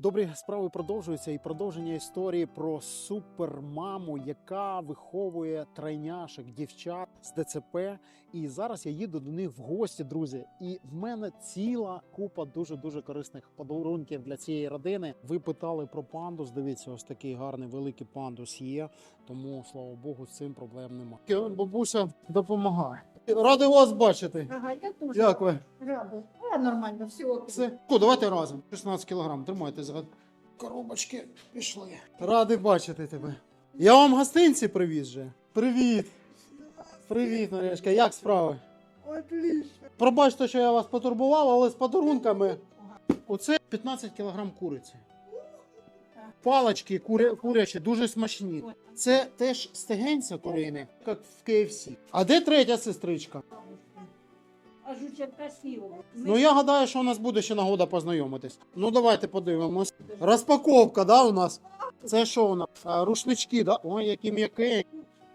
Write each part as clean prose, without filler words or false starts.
Добрі справи продовжуються, і продовження історії про супермаму, яка виховує тройняшок, дівчат з ДЦП. І зараз я їду до них в гості, друзі. І в мене ціла купа дуже корисних подарунків для цієї родини. Ви питали про пандус. Дивіться, ось такий гарний великий пандус є. Тому, слава Богу, з цим проблем немає. Бабуся допомагає. Радий вас бачити. Ага, я теж. Як ви? Рада. Нормально, все окей. Все. Давайте разом. 16 кілограм. Тримайте за коробочки. Пішли. Радий бачити тебе. Я вам гостинці привіз же. Привіт. Привіт, Марішка. Як справи? Отлично. Пробачте, що я вас потурбував, але з подарунками. Оце 15 кілограм куриці. Палочки курячі, дуже смачні. Це теж стегенця курини, як в KFC. А де третя сестричка? А жученка сіла. Ну я гадаю, що у нас буде ще нагода познайомитись. Ну давайте подивимось. Розпаковка, да, у нас? Це що у нас? Рушнички, да? Ой, які м'які.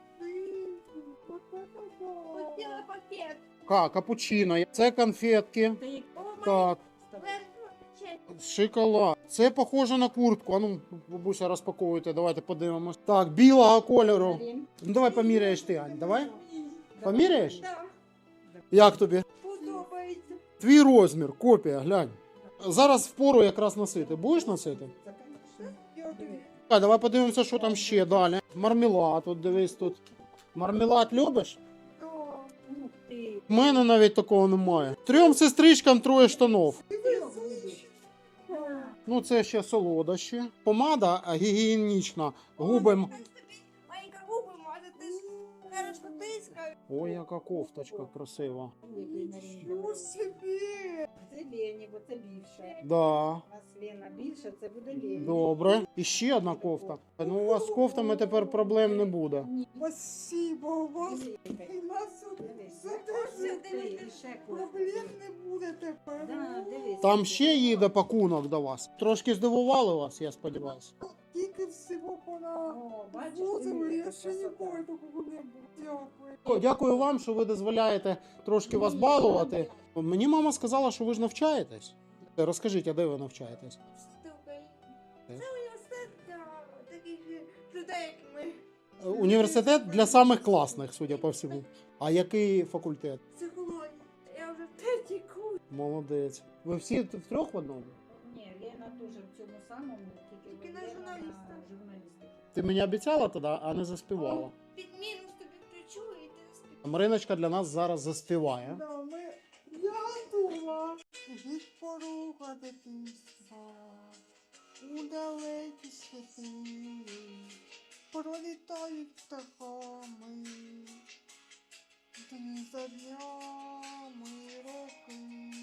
Хотіла пакет. Капучино. Це конфетки. Так. Шоколад. Це похоже на куртку. А ну, бабуся, розпаковуйте, давайте подивимось. Так, білого кольору. Ну давай поміряєш ти, Ань, давай. Поміряєш? Да, Як тобі? подобається. Твій розмір, копія, глянь. Зараз впору якраз носити. Будеш носити? Так, давай подивимося, що там ще далі. Мармелад, от дивись тут. Мармелад любиш? У мене навіть такого немає. Трьом сестричкам троє штанов. Ну це ще солодощі. Помада гігієнічна. Губи. Маленька губи мазати, хорошо тискаю. Ой, яка кофточка красива. Що собі? Це Лені, бо це більше. Да. У нас Лена більше, це буде Лені. Добре. І ще одна кофта. Ну у вас з кофтами тепер проблем не буде. Спасибо, у вас і нас проблем не буде тепер. Там ще їде пакунок до вас. Трошки здивували вас, я сподіваюся. Тільки всього пора бачиш, возили, я ще ніколи такого не було. Дякую. Дякую вам, що ви дозволяєте трошки вас балувати. Мені мама сказала, що ви ж навчаєтесь. Розкажіть, а де ви навчаєтесь? Це університет для таких людей, як ми. Університет для самих класних, судя по всьому. А який факультет? Психологія. Я вже третій курс. Молодець. Ви всі втрьох в одному? Ні, Лена теж в цьому самому, тільки на Лена журналіста. журналістики. Ти мені обіцяла тоді, а не заспівала. Під мінус тобі включу і ти співаєш. Мариночка для нас зараз заспіває. Да, я готова від порога дитинства у далекі світи пролітають птахами дні за днями роки.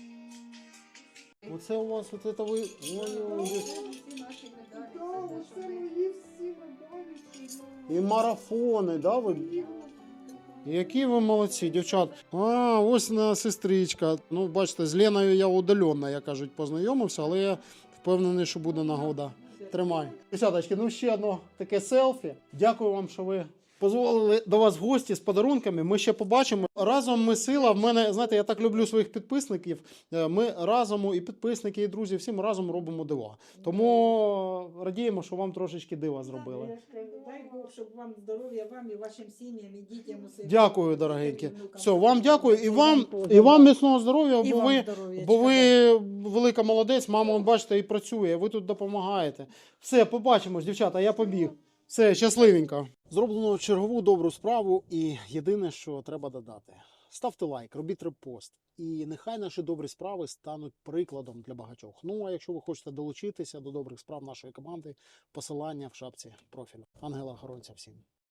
Оце у вас, оце ви... Ой-ой-ой. Всі наші медалі. Да, це те, оце що ми- мої всі медалі. що я- І марафони, да, ви? Які ви молодці, дівчат. А, ось на сестричка. Ну, бачите, з Леною я удаленно, як кажуть, познайомився, але я впевнений, що буде нагода. Тримай. Дівчаточки, ну ще одно таке селфі. Дякую вам, що ви дозволили до вас в гості з подарунками. Ми ще побачимо. Разом ми сила. В мене, знаєте, я так люблю своїх підписників. Ми разом, і підписники, і друзі, всім разом робимо дива. Тому радіємо, що вам трошечки дива зробили. Я ж кажу, дай Бог, щоб вам здоров'я, вам і вашим сім'ям, і дітям усе. Дякую, дорогенькі. Все, вам дякую. І вам міцного здоров'я, І бо вам ви, здоров'ячка, бо ви велика молодець. Мама, он, бачите, і працює. Ви тут допомагаєте. Все, побачимось, дівчата, я побіг. Все, щасливенько. Зроблено чергову добру справу, і єдине, що треба додати. Ставте лайк, робіть репост. І нехай наші добрі справи стануть прикладом для багатьох. Ну, а якщо ви хочете долучитися до добрих справ нашої команди, посилання в шапці профілю. Ангела охоронця всім.